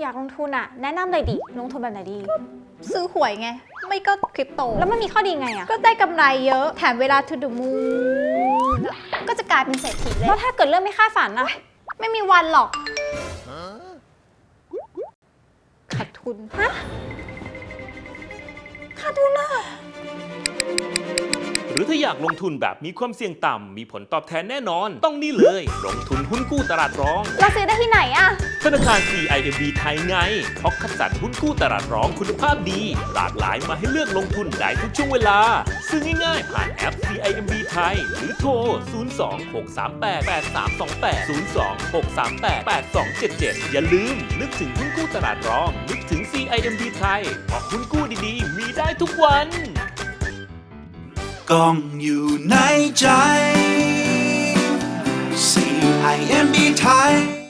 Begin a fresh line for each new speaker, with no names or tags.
อยากลงทุนอะแนะนำเลยดิลงทุนแบบไหนดี
ซื้อหวยไงไม่ก็คริปโต
แล้วมันมีข้อดีไงอะ
ก็ได้กำไรเยอะแถมเวลาทูดูมูก็จะกลายเป็นเศรษฐีเลย
แล้วถ้าเกิดเรื่องไม่คาดฝันอะ
ไม่มีวันหรอกขาดทุน
ขาดทุนอะ
หรือถ้าอยากลงทุนแบบมีความเสี่ยงต่ำมีผลตอบแทนแน่นอนต้องนี่เลยลงทุนหุ้นกู้ตลาดรอง
เราซื้อได้ที่ไหนอะ
ธนาคาร CIMB ไทยไงเพราะคัดสรรหุ้นกู้ตลาดรองคุณภาพดีหลากหลายมาให้เลือกลงทุนได้ทุกช่วงเวลาซื้อง่ายๆผ่านแอป CIMB ไทยหรือโทร 02-638-8328 02-638-8277 อย่าลืมนึกถึงหุ้นกู้ตลาดรองนึกถึง CIMB ไทยเพราะหุ้นกู้ดีๆมีได้ทุกวัน
กล้องอยู่ในใจ CIMB ไทย